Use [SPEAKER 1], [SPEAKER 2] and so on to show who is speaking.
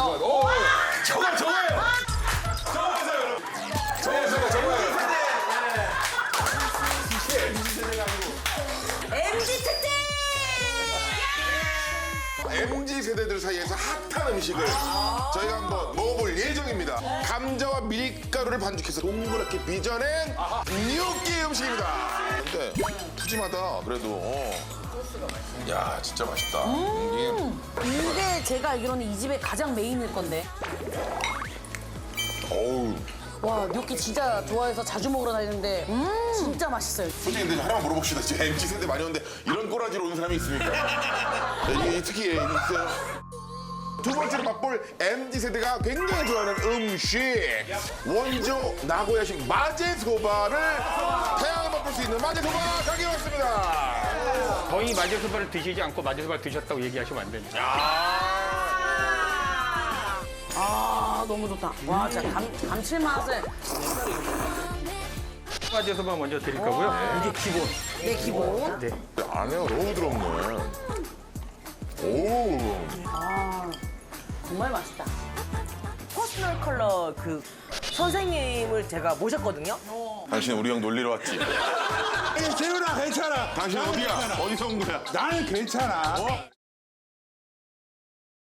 [SPEAKER 1] 죄송합니다. 오, 저거예요. 저거예요.
[SPEAKER 2] MZ 특집!
[SPEAKER 1] MZ 세대들 사이에서 핫한 음식을 저희가 한번 먹어볼 예정입니다. 감자와 밀가루를 반죽해서 동그랗게 빚어낸 gnocchi 음식입니다. 근데 푸짐하다 그래도. 야 진짜 맛있다.
[SPEAKER 2] 이게 제가 알기로는 이 집의 가장 메인일 건데.
[SPEAKER 1] 어우.
[SPEAKER 2] 와, gnocchi 진짜 좋아해서 자주 먹으러 다니는데 진짜 맛있어요.
[SPEAKER 1] 솔직히 근데 하나만 물어봅시다. 지금 MZ 세대 많이 오는데 이런 꼬라지로 오는 사람이 있습니까? 네, 이게 특히 있어요. 두 번째로 맛볼 MZ 세대가 굉장히 좋아하는 음식 원조 나고야식 마제소바를 다양하게 맛볼 수 있는 마제소바 가게 왔습니다.
[SPEAKER 3] 거의 마제소바를 드시지 않고 마제소바를 드셨다고 얘기하시면 안 됩니다.
[SPEAKER 2] 아, 너무 좋다. 와, 진짜 감칠맛을.
[SPEAKER 3] 마제소바 먼저 드릴 거고요. 이게 기본.
[SPEAKER 2] 내 기본.
[SPEAKER 3] 네.
[SPEAKER 1] 안에가 너무 부드럽네. 오.
[SPEAKER 2] 정말 맛있다.
[SPEAKER 4] 퍼스널 컬러 그 선생님을 제가 모셨거든요.
[SPEAKER 1] 당신 우리 형 놀리러 왔지?
[SPEAKER 5] 재훈아 괜찮아.
[SPEAKER 1] 당신 어디야? 어디서 온 거야?
[SPEAKER 5] 나는 괜찮아.